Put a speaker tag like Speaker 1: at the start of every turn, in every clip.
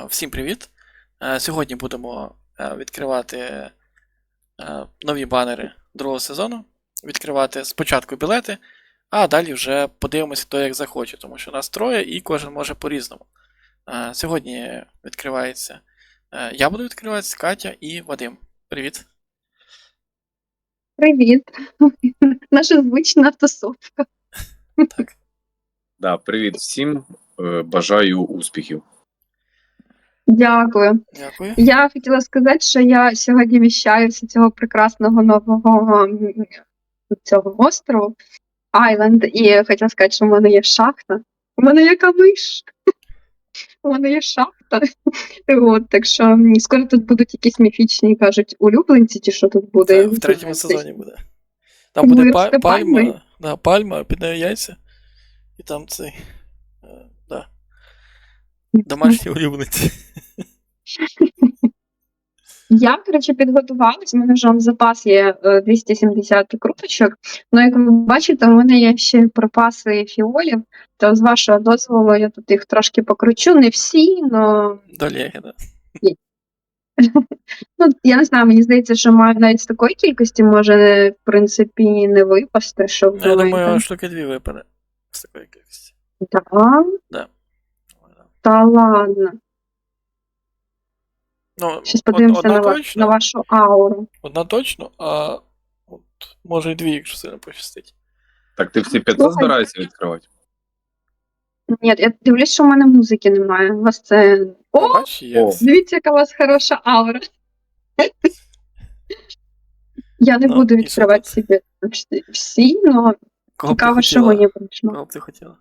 Speaker 1: Всім привіт! Сьогодні будемо відкривати нові банери другого сезону. Відкривати спочатку білети, а далі вже подивимося, хто як захоче, тому що нас троє і кожен може по-різному. Сьогодні відкривається. Я буду відкриватися, Катя і Вадим. Привіт!
Speaker 2: Привіт. Наша звична тусовка.
Speaker 1: Так.
Speaker 3: Да, привіт всім. Бажаю успіхів.
Speaker 2: Дякую.
Speaker 1: Дякую.
Speaker 2: Я хотіла сказати, що я сьогодні віщаю з цього прекрасного нового цього острову Айленд, і хотіла сказати, що в мене є шахта. У мене є камиш. У мене є шахта. От, так що скоро тут будуть якісь міфічні, кажуть, улюбленці, чи що тут буде.
Speaker 1: В третьому сезоні буде. Там буде
Speaker 2: Виросте
Speaker 1: пальма, пальма, під нею яйця. І там цей. Домашні улюбленці.
Speaker 2: Я, коротше, підготувалась, у мене вже в запас є 270 круточок. Ну, як ви бачите, у мене є ще припаси фіолів, то з вашого дозволу я тут їх трошки покручу, не всі, але...
Speaker 1: Долєги, да.
Speaker 2: Ну, я не знаю, мені здається, що навіть з такої кількості може, в принципі, не випасти, щоб
Speaker 1: Я думаю, штуки 2 випаде. З такої кількості.
Speaker 2: Так?
Speaker 1: Да.
Speaker 2: Та ладно.
Speaker 1: Ну,
Speaker 2: Щас подивимося
Speaker 1: одна
Speaker 2: на вашу ауру.
Speaker 1: Одна точно, а от, може і 2, якщо сильно пощастить.
Speaker 3: Так ти всі 500 збираєшся відкривати?
Speaker 2: Ні, я дивлюсь, що в мене музики немає. У вас це... О,
Speaker 1: Бач, є.
Speaker 3: О.
Speaker 2: дивіться, яка у вас хороша аура. Я не
Speaker 1: Ну,
Speaker 2: буду
Speaker 1: і що
Speaker 2: відкривати
Speaker 1: тут?
Speaker 2: собі всі, але
Speaker 1: Кого б ти
Speaker 2: цікаво, що
Speaker 1: хотіла?
Speaker 2: мені прийшло.
Speaker 1: Кого б ти хотіла?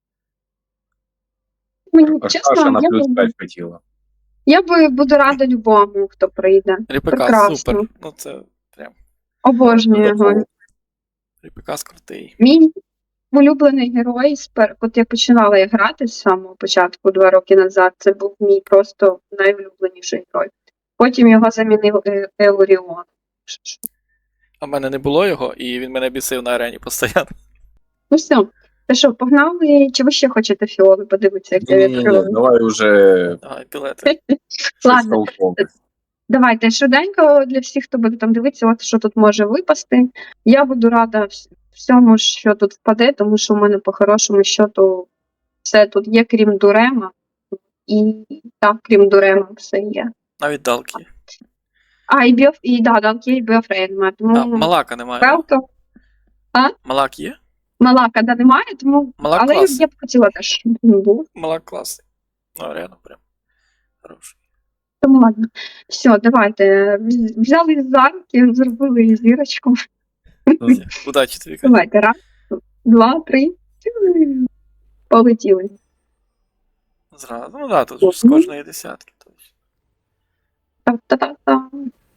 Speaker 2: Мені,
Speaker 3: А
Speaker 2: чесно,
Speaker 3: Саша на плюс 5 хотіла.
Speaker 2: я буду рада любому, хто прийде.
Speaker 1: Ріпека,
Speaker 2: Прекрасно.
Speaker 1: супер. Ну це прям.
Speaker 2: Обожнюю його.
Speaker 1: Ріпекас крутий.
Speaker 2: Мій улюблений герой, от я починала я грати з самого початку, 2 роки назад, це був мій просто найулюбленіший герой. Потім його замінив Еуріон.
Speaker 1: А в мене не було його, і він мене бісив на арені постійно.
Speaker 2: Ну все. Та що, погнали? Чи ви ще хочете фіоли подивитися, як я
Speaker 3: Ні,
Speaker 2: відкриваю?
Speaker 3: давай уже
Speaker 1: Давай, білети.
Speaker 3: щось
Speaker 2: Ладно.
Speaker 3: толкове.
Speaker 2: Давайте швиденько для всіх, хто буде там дивитися, от що тут може випасти. Я буду рада всьому, що тут впаде, тому що в мене по-хорошому щоту все тут є, крім Дурема. І так, крім Дурема, все є.
Speaker 1: Навіть далки.
Speaker 2: А, Далки, і Біофрей немає.
Speaker 1: А,
Speaker 2: Тому
Speaker 1: Малака немає.
Speaker 2: Пелто,
Speaker 1: Малак є?
Speaker 2: Малака, немає, тому...
Speaker 1: Малак
Speaker 2: Але
Speaker 1: класний.
Speaker 2: я б хотіла теж, щоб він був.
Speaker 1: Малак класний. Ну, реально прям. Хороший.
Speaker 2: Тому ладно. Все, давайте. Взяли за руки, зробили зірочку.
Speaker 1: Удачі тобі, Катя.
Speaker 2: Давайте, раз, 2, 3. Полетіли.
Speaker 1: Зразу. Ну да, тут ж з кожної десятки. Точно.
Speaker 2: Та-та-та-та.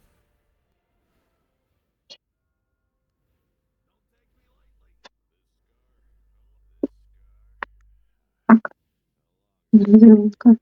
Speaker 2: Так. Зірочка.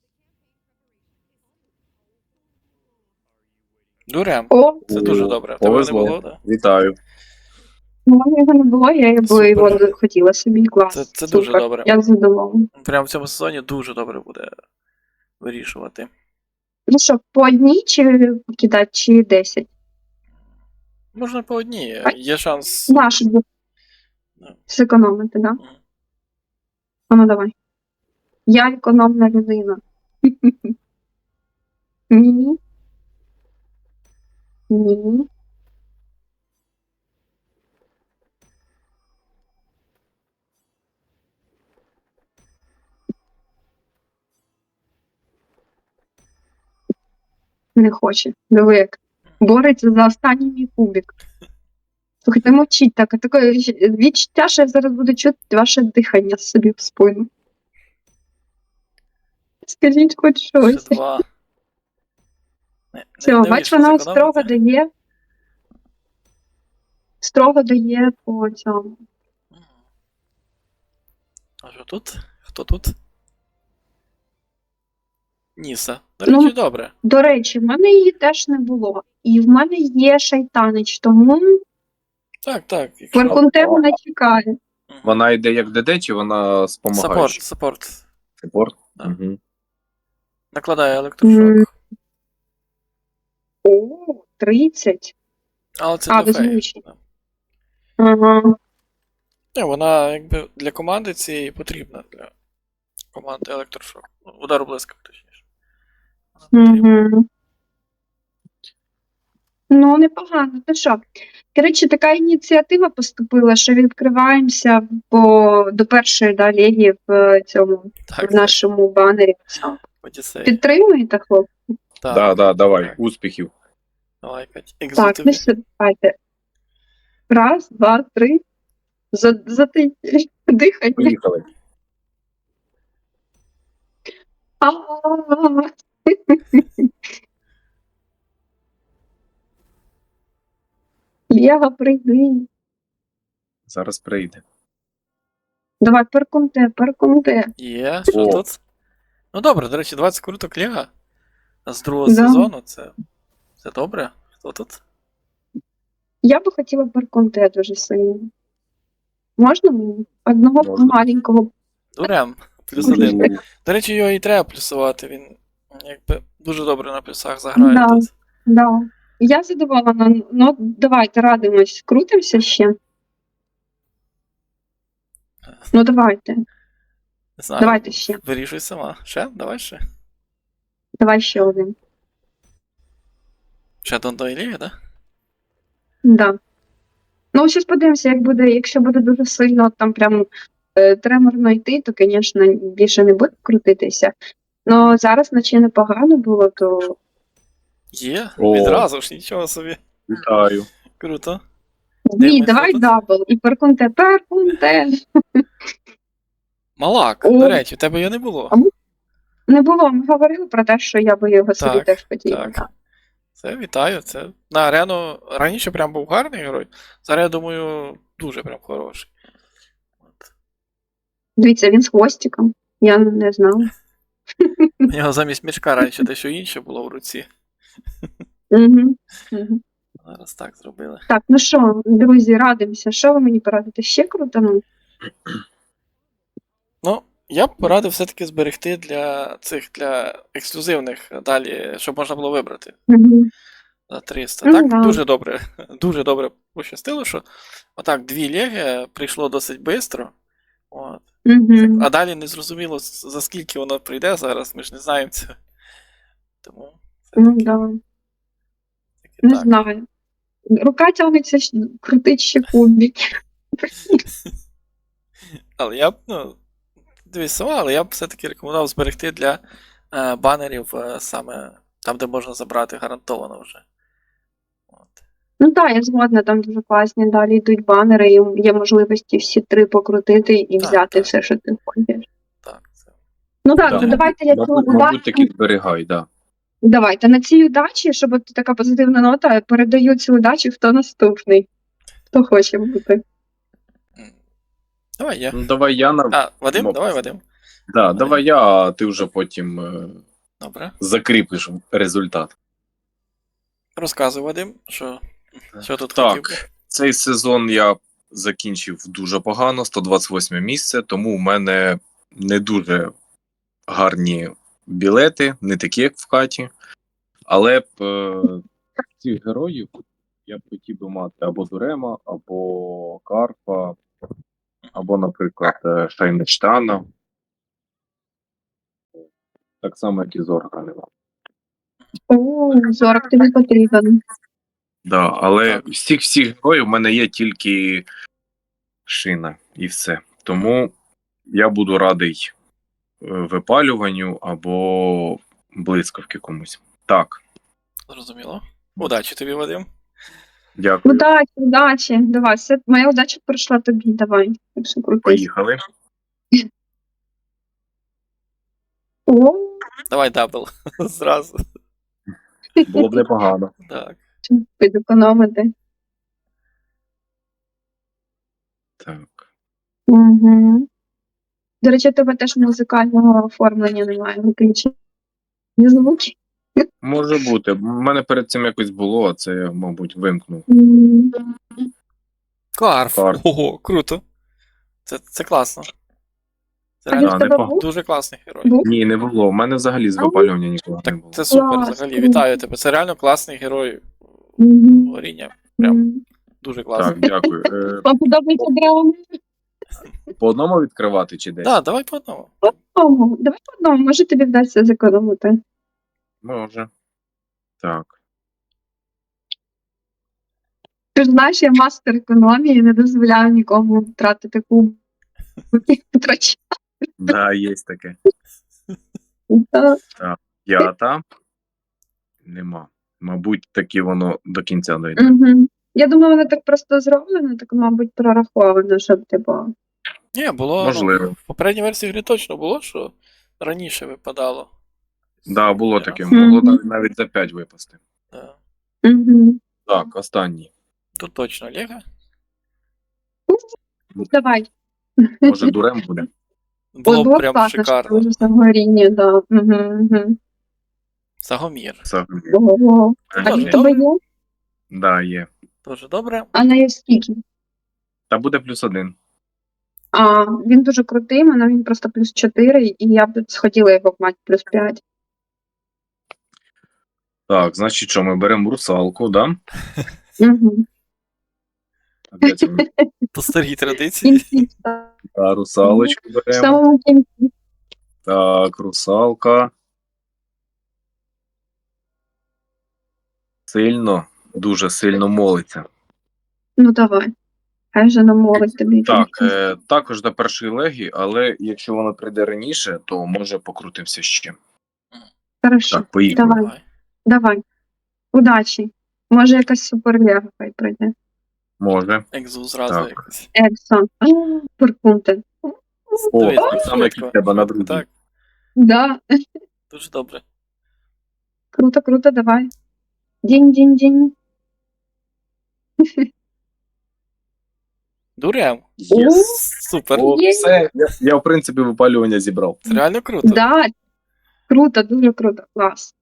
Speaker 1: Дурем.
Speaker 2: О,
Speaker 1: Це дуже добре. Тебе не
Speaker 3: Повезло.
Speaker 1: було, так?
Speaker 3: Вітаю.
Speaker 2: у мене його не було, я
Speaker 1: Супер.
Speaker 2: його хотіла собі. Клас.
Speaker 1: Це
Speaker 2: Супер.
Speaker 1: дуже добре.
Speaker 2: Я задоволена.
Speaker 1: Прямо в цьому сезоні дуже добре буде вирішувати.
Speaker 2: Ну що, по одній чи кидати, чи 10?
Speaker 1: Можна по одній.
Speaker 2: Ай.
Speaker 1: Є шанс.
Speaker 2: Наш
Speaker 1: Да.
Speaker 2: зекономити, так? Да? А ну давай. Я економна людина. Ні. Ні. Не хоче. Диви, як бореться за останній мій кубик. Слухайте, мовчіть так. Таке відчуття, що я зараз буду чути ваше дихання собі в спину. Скажіть хоч
Speaker 1: Ще
Speaker 2: щось.
Speaker 1: 2.
Speaker 2: Все, бач, вона строго дає по цьому.
Speaker 1: А що тут? Хто тут? Ніса. До
Speaker 2: Ну,
Speaker 1: речі, добре.
Speaker 2: До речі, в мене її теж не було. І в мене є шайтанич, тому
Speaker 1: Так.
Speaker 2: Фаркунте мене чекає.
Speaker 3: Вона йде як ДД, чи вона спомагає?
Speaker 1: Саппорт.
Speaker 3: Саппорт?
Speaker 1: Да.
Speaker 3: Угу.
Speaker 1: Накладає електрошок.
Speaker 2: О, 30.
Speaker 1: Але це
Speaker 2: А,
Speaker 1: для феї.
Speaker 2: беззвучно.
Speaker 1: Да.
Speaker 2: Ага.
Speaker 1: Ні, вона якби для команди цієї потрібна. Для команди електрошок. Ну, удар блискавки, точніше. Вона потрібна.
Speaker 2: Угу. Ну, непогано. Ну що? Коротше, така ініціатива поступила, що відкриваємося до першої легі в цьому
Speaker 1: Так,
Speaker 2: в нашому банері.
Speaker 1: Одіссей.
Speaker 2: Підтримуєте, хлопці?
Speaker 3: Да,
Speaker 1: Так,
Speaker 3: давай,
Speaker 1: так.
Speaker 3: успіхів.
Speaker 1: Давай, Кать.
Speaker 2: Так,
Speaker 1: Екзотиві.
Speaker 2: ну що, давайте. Раз, два, три. Дихання.
Speaker 3: Поїхали.
Speaker 2: А-а-а. Лєва, прийди.
Speaker 3: Зараз прийде.
Speaker 2: Давай, перкунте.
Speaker 1: Є, що
Speaker 3: О.
Speaker 1: тут? Ну добре, до речі, 20 круток Лего з другого
Speaker 2: Да.
Speaker 1: сезону. Це добре. Хто тут?
Speaker 2: Я би хотіла перкунте дуже сильно. Можна мені? Одного
Speaker 3: Можна.
Speaker 2: маленького.
Speaker 1: Дурем. Плюс
Speaker 2: Можна.
Speaker 1: один. До речі, його і треба плюсувати. Він якби дуже добре на плюсах заграє
Speaker 2: Да.
Speaker 1: тут.
Speaker 2: Да. Я задоволена. Ну, давайте радимось. Крутимося ще. Ну, давайте.
Speaker 1: Не знаю.
Speaker 2: Давайте ще.
Speaker 1: Вирішуй сама. Ще? Давай ще.
Speaker 2: Давай ще один.
Speaker 1: Ще Дондо і Ліги, так?
Speaker 2: Да. Ну, зараз подивимося, як буде, якщо буде дуже сильно там прям треморно йти, то, звісно, більше не буде крутитися. Ну, зараз наче непогано було, то
Speaker 1: Є?
Speaker 3: О.
Speaker 1: Відразу ж, нічого собі.
Speaker 3: Вітаю.
Speaker 1: Круто.
Speaker 2: ні,
Speaker 1: Дивимось,
Speaker 2: давай
Speaker 1: що тут?
Speaker 2: дабл. І перкунте.
Speaker 1: Малак,
Speaker 2: О.
Speaker 1: до речі, в тебе його не було.
Speaker 2: Не було, ми говорили про те, що я би його собі
Speaker 1: Так,
Speaker 2: теж хотіла.
Speaker 1: Так. Це вітаю. Це на арену раніше прям був гарний герой. Зараз, я думаю, дуже прям хороший. От.
Speaker 2: Дивіться, він з хвостиком. Я не знала.
Speaker 1: У нього замість мішка раніше дещо інше було в руці.
Speaker 2: Угу. Угу.
Speaker 1: Зараз так зробили.
Speaker 2: Так, ну що, друзі, радимося. Що ви мені порадите? Ще круто?
Speaker 1: Ну, я б порадив все-таки зберегти для ексклюзивних далі, щоб можна було вибрати
Speaker 2: Угу.
Speaker 1: за 300.
Speaker 2: Ну,
Speaker 1: Так,
Speaker 2: да.
Speaker 1: дуже добре пощастило, що отак 2 леги прийшло досить швидко. От.
Speaker 2: Угу.
Speaker 1: А далі не зрозуміло, за скільки воно прийде зараз, ми ж не знаємо цього. Тому
Speaker 2: Ну,
Speaker 1: все-таки
Speaker 2: да. Не
Speaker 1: так.
Speaker 2: знаю. Рука тягнеться крутить ще кубик.
Speaker 1: Але я б, дивись сама, але я б все-таки рекомендував зберегти для банерів саме там, де можна забрати гарантовано вже. От.
Speaker 2: Ну так, я згодна, там дуже класні. Далі йдуть банери, і є можливості всі 3 покрутити і
Speaker 1: Так,
Speaker 2: взяти
Speaker 1: так.
Speaker 2: все, що ти хочеш.
Speaker 1: Так, це.
Speaker 2: Ну так,
Speaker 3: Да,
Speaker 2: ну давайте я цю
Speaker 3: мабуть, таки
Speaker 2: удачу.
Speaker 3: зберігай, да.
Speaker 2: Давайте на цій удачі, щоб от така позитивна нота, передаю цю удачу, хто наступний. Хто хоче бути.
Speaker 1: Давай я.
Speaker 3: Ну, давай я на.
Speaker 1: А, Вадим?
Speaker 3: Ну,
Speaker 1: Давай, Вадим.
Speaker 3: Да, давай я, а ти вже потім
Speaker 1: Добре.
Speaker 3: закріпиш результат.
Speaker 1: Розказуй, Вадим, що тут
Speaker 3: Так.
Speaker 1: хотів би.
Speaker 3: Цей сезон я закінчив дуже погано, 128 місце, тому в мене не дуже гарні білети, не такі, як в хаті. Але б цих героїв я б хотів би мати або Дурема, або Карпа, або, наприклад, Шайнештана. Так само, як і Зорга нема.
Speaker 2: О, 40 тобі потрібен.
Speaker 3: Да, але
Speaker 1: Так.
Speaker 3: всіх героїв в мене є тільки Шина і все. Тому я буду радий випалюванню або блискавки комусь. Так,
Speaker 1: Зрозуміло. Удачі тобі, Вадим.
Speaker 3: дякую.
Speaker 2: Удачі. Давай, все, моя удача прийшла тобі, давай. Так що крутись.
Speaker 3: Поїхали.
Speaker 2: О,
Speaker 1: Давай дабл. Зразу.
Speaker 3: Було б непогано.
Speaker 1: Так.
Speaker 2: підекономити.
Speaker 3: Так.
Speaker 2: Угу. До речі, у тебе теж музикального оформлення немає, виключені звуки.
Speaker 3: Може бути. У мене перед цим якось було, а це я, мабуть, вимкнув.
Speaker 1: Карф.
Speaker 3: Карф.
Speaker 1: Ого, круто. Це класно. Це
Speaker 2: А він
Speaker 1: реально
Speaker 2: в тебе
Speaker 3: непогано.
Speaker 2: був?
Speaker 1: дуже класний герой.
Speaker 2: Був?
Speaker 3: Ні, не було. У мене взагалі з
Speaker 2: А,
Speaker 3: випалювання нікого не
Speaker 1: Так
Speaker 3: було.
Speaker 1: це супер
Speaker 2: Клас,
Speaker 1: взагалі.
Speaker 2: круто.
Speaker 1: Вітаю тебе. Це реально класний герой
Speaker 2: Мгм.
Speaker 1: горіння. Прям
Speaker 2: Мгм.
Speaker 1: дуже
Speaker 3: Так,
Speaker 1: класний.
Speaker 3: дякую.
Speaker 2: Вам подобається драма?
Speaker 3: По одному відкривати чи десь?
Speaker 1: Так, давай по одному.
Speaker 2: Давай по одному, може тобі вдасться зекономити.
Speaker 3: Може. Так.
Speaker 2: Ти ж знаєш, я мастер економії, не дозволяю нікому втратити куб. Втрачати.
Speaker 3: Да, є таке.
Speaker 2: Та,
Speaker 3: 5. Нема. Мабуть, таки воно до кінця дойде.
Speaker 2: мгм. Я думаю, воно так просто зроблено, так, мабуть, прораховано, щоб типу.
Speaker 1: Ні, було,
Speaker 3: Можливо.
Speaker 1: в попередній версії гри точно було, що раніше випадало.
Speaker 3: Да, було
Speaker 1: Я-
Speaker 3: таке.
Speaker 2: Мгм.
Speaker 3: Могло навіть за 5 випасти.
Speaker 1: Да.
Speaker 2: Угу.
Speaker 3: Так, останній.
Speaker 1: Тут точно Лего.
Speaker 2: Давай.
Speaker 3: Може, дурем буде?
Speaker 1: Було
Speaker 2: Було
Speaker 1: б прям
Speaker 2: класно, що
Speaker 1: шикарно.
Speaker 2: дуже саморіння, да. Угу.
Speaker 1: Сагомір.
Speaker 3: Взагалі.
Speaker 2: Ого. А
Speaker 1: Дуже
Speaker 2: він в тебе
Speaker 1: добре.
Speaker 2: є?
Speaker 3: Да, є.
Speaker 1: Дуже добре.
Speaker 2: А на є скільки?
Speaker 3: Та буде +1.
Speaker 2: А, він дуже крутий, мене він просто +4, і я б схотіла його мати +5.
Speaker 3: Так, значить, що ми беремо русалку, да?
Speaker 2: Угу.
Speaker 3: А де це ми?
Speaker 1: По старій традиції.
Speaker 3: Та, русалочку
Speaker 2: В
Speaker 3: беремо.
Speaker 2: самому кінці.
Speaker 3: Так, русалка. Сильно, дуже сильно молиться.
Speaker 2: Ну давай. Хай же намолить тобі.
Speaker 3: Так, також до першої легі, але якщо вона прийде раніше, то може покрутимося ще.
Speaker 2: Хорошо.
Speaker 3: Так, поїхали.
Speaker 2: Давай. Давай. Удачі. Може якась суперлега хай прийде.
Speaker 3: Може.
Speaker 1: Екзу зразу
Speaker 3: Так.
Speaker 1: якось.
Speaker 2: Ексон. Пуркунте.
Speaker 3: О,
Speaker 1: Дивись,
Speaker 3: так само, як і в тебе на другій.
Speaker 1: Так,
Speaker 2: Да.
Speaker 1: дуже добре.
Speaker 2: Круто, круто, давай. Дінь-дінь-дінь.
Speaker 1: Дурем.
Speaker 2: О,
Speaker 1: Супер.
Speaker 3: О,
Speaker 2: Є.
Speaker 3: все, я, в принципі, випалювання зібрав.
Speaker 1: Це реально круто.
Speaker 2: Да. Круто, дуже круто. Клас.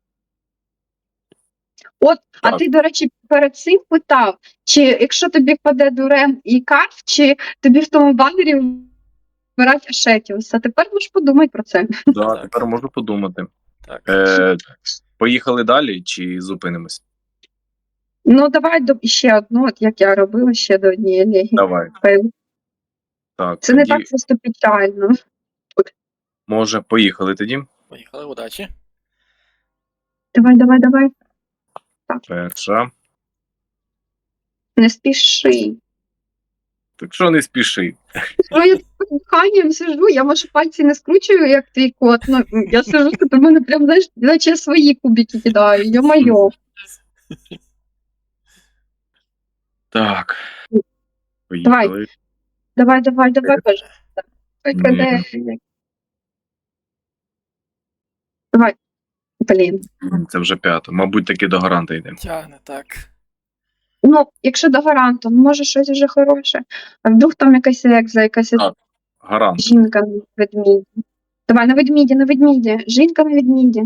Speaker 2: От, а
Speaker 3: Так.
Speaker 2: ти, до речі, перед цим питав, чи якщо тобі впаде Дурем і Карф, чи тобі в тому банері вибирати Ашетіуса. Тепер можеш подумати про це.
Speaker 3: Да,
Speaker 1: Так.
Speaker 3: тепер можу подумати.
Speaker 1: Так.
Speaker 3: Поїхали далі чи зупинимось?
Speaker 2: Ну, давай ще одну, от як я робила ще до однієї легі.
Speaker 3: Давай. Так,
Speaker 2: Це
Speaker 3: тоді,
Speaker 2: не так просто печально.
Speaker 3: може, поїхали тоді.
Speaker 1: Поїхали, удачі.
Speaker 2: Давай, давай, давай.
Speaker 3: Перша.
Speaker 2: Не спіши.
Speaker 3: Так що не спіши.
Speaker 2: Ну, я під диханням сижу, я може пальці не скручую, як твій кот. Ну, я сижу, що до мене прям, знаєш, наче я свої кубики кидаю. Йо-моє.
Speaker 3: Так. Поїхали.
Speaker 2: Давай, давай, давай, кажи. Ой,
Speaker 3: Ні.
Speaker 2: каде. Давай. Блін.
Speaker 3: Це вже 5. Мабуть, таки до гаранта йде.
Speaker 1: Тягне, так.
Speaker 2: Ну, якщо до гаранту, ну, може щось вже хороше. А вдруг там якась екза, якась
Speaker 3: Так. Гарант.
Speaker 2: жінка на ведміді. Давай на ведміді, на ведміді. Жінка на ведміді.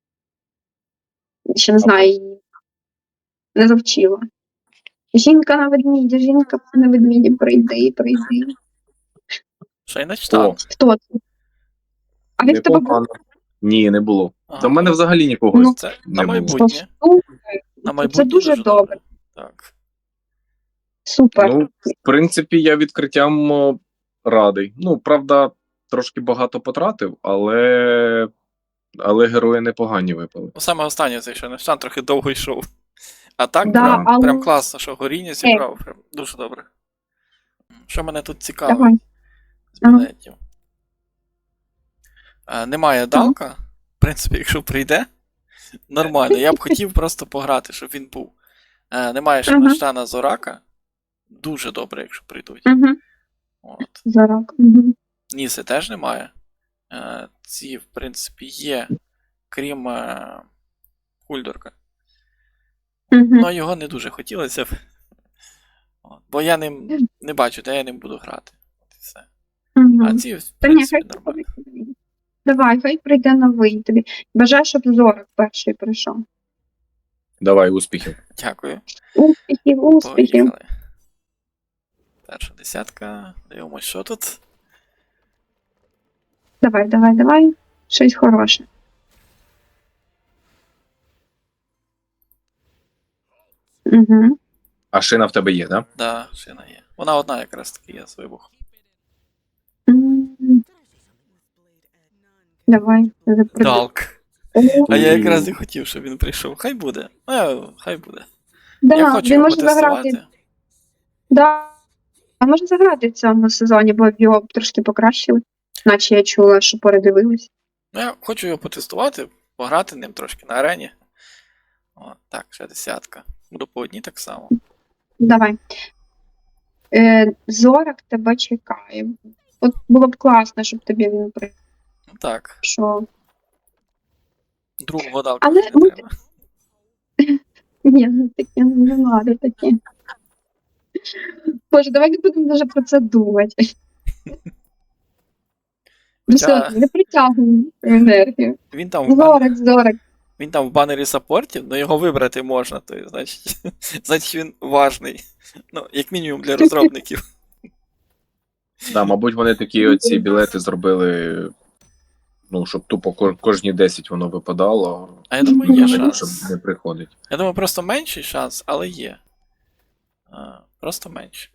Speaker 2: Ще не знаю її. Не завчила. Жінка на ведміді, жінка на ведміді, прийди, прийди.
Speaker 1: Шайнечтан.
Speaker 2: Хто це? А він в тебе був?
Speaker 3: Непогано. Ні, не було.
Speaker 1: Ага.
Speaker 3: Та в мене взагалі нікого
Speaker 2: Ну,
Speaker 1: Це
Speaker 3: не
Speaker 1: на
Speaker 3: було.
Speaker 1: майбутнє. На майбутнє
Speaker 2: Це дуже добре.
Speaker 1: Так.
Speaker 2: Супер.
Speaker 3: Ну, в принципі, я відкриттям радий. Ну, правда, трошки багато потратив, але герої непогані випали.
Speaker 1: Ну, саме останнє цей Шайнечтан трохи довго йшов. А так,
Speaker 2: Да,
Speaker 1: прям,
Speaker 2: але-
Speaker 1: прям класно, що горіння зібрав. Прям дуже добре. Що мене тут цікавить
Speaker 2: Давай.
Speaker 1: з білетів? Немає Далка. В принципі, якщо прийде, нормально. Я б хотів просто пограти, щоб він був. Немає Шайнечтана Зорака. Дуже добре, якщо прийдуть.
Speaker 2: Угу.
Speaker 1: От.
Speaker 2: Зарок. Угу.
Speaker 1: Ніси теж немає. Ці, в принципі, є, крім Хульдорка.
Speaker 2: Угу.
Speaker 1: Ну, його не дуже хотілося б. От. Бо я ним не бачу, де я ним буду грати. От і все. А ці, в
Speaker 2: Та ні,
Speaker 1: принципі,
Speaker 2: хай
Speaker 1: нормально.
Speaker 2: прийде. Давай, хай прийде новий тобі. Бажаю, щоб Зорок перший прийшов.
Speaker 3: Давай, успіхів.
Speaker 1: Дякую.
Speaker 2: Успіхів, успіхів.
Speaker 1: Поїхали. Перша десятка. Дивимось, що тут.
Speaker 2: Давай. Щось хороше. Угу.
Speaker 3: А шина в тебе є, да?
Speaker 1: Да, шина є. Вона одна якраз таки є з вибухом.
Speaker 2: Давай. Запродаю.
Speaker 1: Далк. А я якраз і хотів, щоб він прийшов. Хай буде. Хай буде. Я
Speaker 2: Да,
Speaker 1: хочу
Speaker 2: він
Speaker 1: його
Speaker 2: може заграти.
Speaker 1: потестувати.
Speaker 2: Да. А може заграти в цьому сезоні, бо його трошки покращили. Наче я чула, що передивились.
Speaker 1: Ну, я хочу його потестувати, пограти ним трошки на арені. О, так, ще 10. Буду по одній так само.
Speaker 2: Давай. Зорок тебе чекає. От було б класно, щоб тобі він
Speaker 1: Ну так,
Speaker 2: прийшов.
Speaker 1: другого далку
Speaker 2: Але
Speaker 1: не
Speaker 2: ми-
Speaker 1: треба.
Speaker 2: Ні, ну таке не надо таке. Боже, давай не будемо вже про це думати. Все, не притягуємо енергію.
Speaker 1: Він там в банері,
Speaker 2: Зорок.
Speaker 1: він там в банері саппортів, але його вибрати можна, то є, значить він важний. Ну, як мінімум для розробників.
Speaker 3: Да, мабуть, вони такі оці білети зробили, ну, щоб тупо кожні 10 воно випадало.
Speaker 1: А я думаю, є
Speaker 3: Щоб
Speaker 1: шанс.
Speaker 3: не приходить.
Speaker 1: Я думаю, просто менший шанс, але є. Просто менший.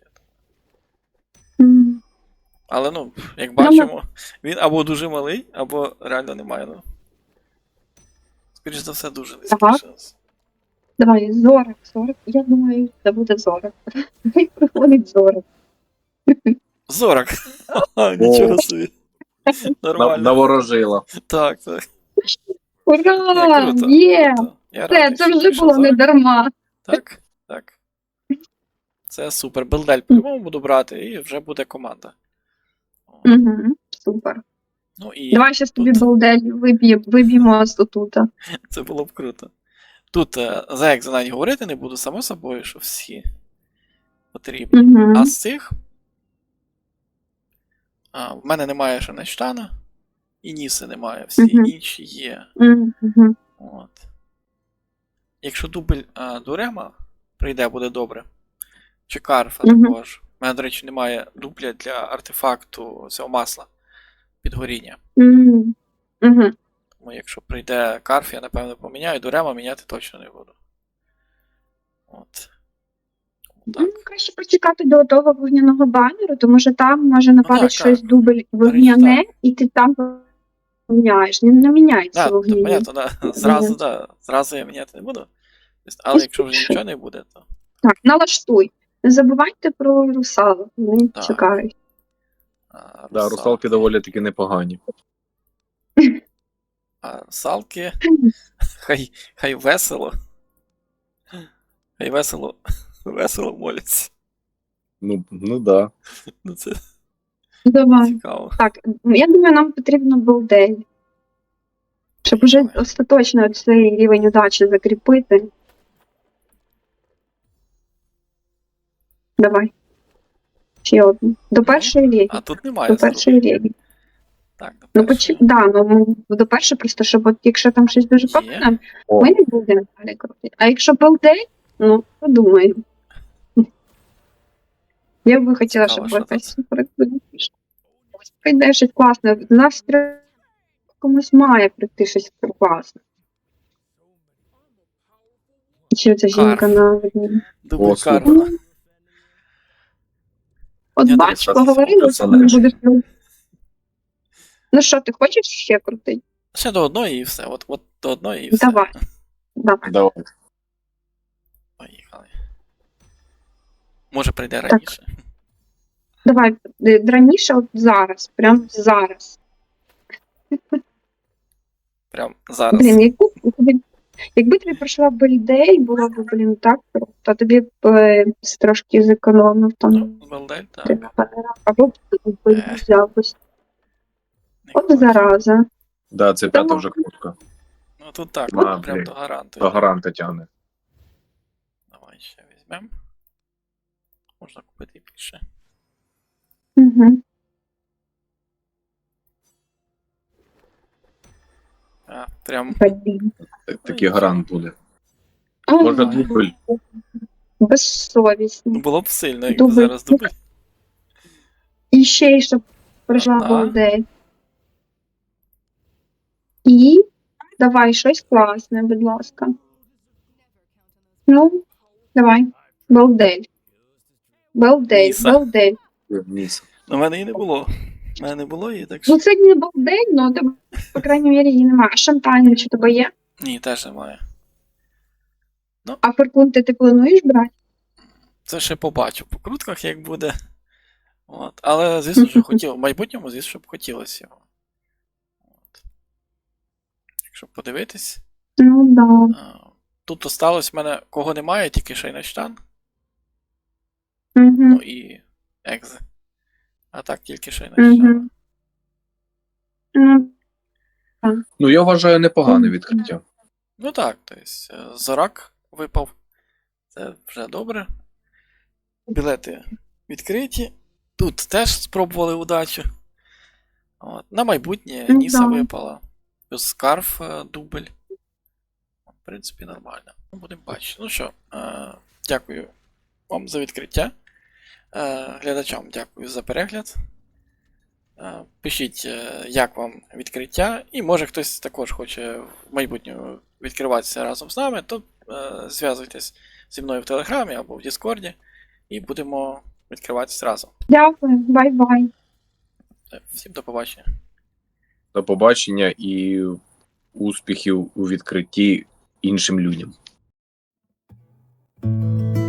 Speaker 2: М.
Speaker 1: Але ну, як бачимо, він або дуже малий, або реально немає. Ну. Скоріш за все, дуже низький
Speaker 2: Ага.
Speaker 1: шанс.
Speaker 2: Давай, зорок. Я думаю, це буде зорок. Хай приходить зорок.
Speaker 1: Зорок! Нічого собі. Нормально.
Speaker 3: Наворожила.
Speaker 1: Так.
Speaker 2: Ура!
Speaker 1: Круто.
Speaker 2: Є!
Speaker 1: Круто. Я
Speaker 2: Це
Speaker 1: радий, що
Speaker 2: вже
Speaker 1: прийшов
Speaker 2: було не
Speaker 1: Зорок.
Speaker 2: дарма.
Speaker 1: Так. Це супер. Белдель по-любому буду брати, і вже буде команда.
Speaker 2: Угу, супер.
Speaker 1: Ну і
Speaker 2: Давай зараз тобі
Speaker 1: тут
Speaker 2: балдель виб'ємо з отута.
Speaker 1: це було б круто. Тут за як за навіть говорити не буду, само собою, що всі потрібні.
Speaker 2: Угу.
Speaker 1: А з цих в мене немає ще Нештана, і Ніси немає, всі
Speaker 2: Мгм.
Speaker 1: інші є.
Speaker 2: Угу.
Speaker 1: От. Якщо дубль Дурема прийде, буде добре. Чи Карфа
Speaker 2: Мгм.
Speaker 1: також. У мене, до речі, немає дубля для артефакту цього масла підгоріння.
Speaker 2: Угу.
Speaker 1: Тому якщо прийде Карф, я напевно поміняю, Дурема міняти точно не буду. От. Так.
Speaker 2: Ну, краще почекати до того вогняного банеру, тому що там може нападати
Speaker 1: так,
Speaker 2: щось
Speaker 1: так.
Speaker 2: дубль вогняне, і ти там поміняєш. Не міняється
Speaker 1: Да, то,
Speaker 2: вогняне.
Speaker 1: понятно, да. Зразу я міняти не буду. Але якщо вже нічого не буде, то.
Speaker 2: Так, налаштуй. Не забувайте про русалок. Вони
Speaker 1: Так.
Speaker 2: чекають.
Speaker 3: Да, русалки доволі таки непогані.
Speaker 1: А русалки. Хай весело. Хай весело моляться.
Speaker 3: Ну да.
Speaker 1: Ну це
Speaker 2: Давай.
Speaker 1: цікаво.
Speaker 2: Так, я думаю, нам потрібно балдель. Щоб уже остаточно цей рівень удачі закріпити. Давай. Ще одну. До першої ліги.
Speaker 1: А тут немає.
Speaker 2: До першої ліги.
Speaker 1: Так, до
Speaker 2: Ну,
Speaker 1: першої.
Speaker 2: до першої просто, щоб от, якщо там щось дуже
Speaker 1: Є.
Speaker 2: погане,
Speaker 3: О,
Speaker 2: ми не будемо далі крутити. А якщо балдель, ну, подумаємо. Я би хотіла,
Speaker 1: Цікаво,
Speaker 2: щоб
Speaker 1: що
Speaker 2: якась супер ось прийде щось класне. В нас комусь має прийти щось класне. Чи ця жінка
Speaker 1: Карф.
Speaker 2: на одній.
Speaker 1: Дубль
Speaker 3: О, супер.
Speaker 1: Карфа.
Speaker 2: От
Speaker 1: Я
Speaker 2: бач,
Speaker 1: думаю,
Speaker 2: поговорили,
Speaker 3: це
Speaker 2: що не
Speaker 3: супер.
Speaker 2: будеш. Ну що, ти хочеш ще крутити?
Speaker 1: Ще до одної і все. От до одної і все.
Speaker 2: Давай. Давай.
Speaker 3: давай.
Speaker 1: Поїхали. Може прийде раніше.
Speaker 2: Давай, раніше, от зараз, прям зараз.
Speaker 1: Прям зараз.
Speaker 2: Блін, якби тобі пройшла Бельдей, було б, блін, так круто, то тобі б трошки зекономив там.
Speaker 1: Ну, Белдель, так.
Speaker 2: Або б взяв ось.
Speaker 1: Не
Speaker 2: От
Speaker 1: хочу.
Speaker 2: зараза.
Speaker 3: Да, це п'ята вже кнопка.
Speaker 1: Ну тут так,
Speaker 3: А,
Speaker 1: прям
Speaker 3: блін.
Speaker 1: до гаранту.
Speaker 3: До гаранта тягне.
Speaker 1: Давай ще візьмемо. Можна купити більше.
Speaker 2: Угу.
Speaker 1: Прям
Speaker 2: Блін.
Speaker 3: Такий гарант буде.
Speaker 2: А,
Speaker 3: Може
Speaker 1: Ой.
Speaker 3: дубль.
Speaker 1: ну,
Speaker 2: безсовісно.
Speaker 1: було б сильно, якби
Speaker 2: Дубль.
Speaker 1: зараз дубль.
Speaker 2: І ще й щоб пройшла
Speaker 1: Ага.
Speaker 2: Бельдей. І давай щось класне, будь ласка. Ну, давай. Белдель. Белдель,
Speaker 1: Ніса.
Speaker 2: Белдель.
Speaker 3: Ніс.
Speaker 1: У мене її не було. У мене не було її, так
Speaker 2: Ну,
Speaker 1: що.
Speaker 2: це не Белдель, але тебе, по крайній мірі, її немає. А шампань чи тебе є?
Speaker 1: Ні, теж немає.
Speaker 2: А феркунти ти плануєш брати?
Speaker 1: Це ще побачу по крутках, як буде. От. Але, звісно ж, в майбутньому, звісно, б хотілося його. От. Якщо подивитись.
Speaker 2: Ну, да.
Speaker 1: Тут осталось в мене кого немає, тільки Шайнаштан.
Speaker 2: Угу.
Speaker 1: Ну і Екзе. А так тільки Шайнаштан.
Speaker 2: Ну,
Speaker 3: Ну, я вважаю непогане відкриття.
Speaker 1: Ну так, тобто Зорак випав. Це вже добре. Білети відкриті. Тут теж спробували удачу. От. На майбутнє
Speaker 2: Ну,
Speaker 1: Ніса
Speaker 2: да.
Speaker 1: випала. Плюс скарф дубль. В принципі, нормально. Ну, будемо бачити. Ну що, дякую вам за відкриття. Глядачам дякую за перегляд. Пишіть, як вам відкриття, і може хтось також хоче в майбутньому відкриватися разом з нами, то зв'язуйтесь зі мною в Телеграмі або в Діскорді, і будемо відкриватися разом.
Speaker 2: дякую, бай-бай.
Speaker 1: Всім до побачення.
Speaker 3: До побачення і успіхів у відкритті іншим людям.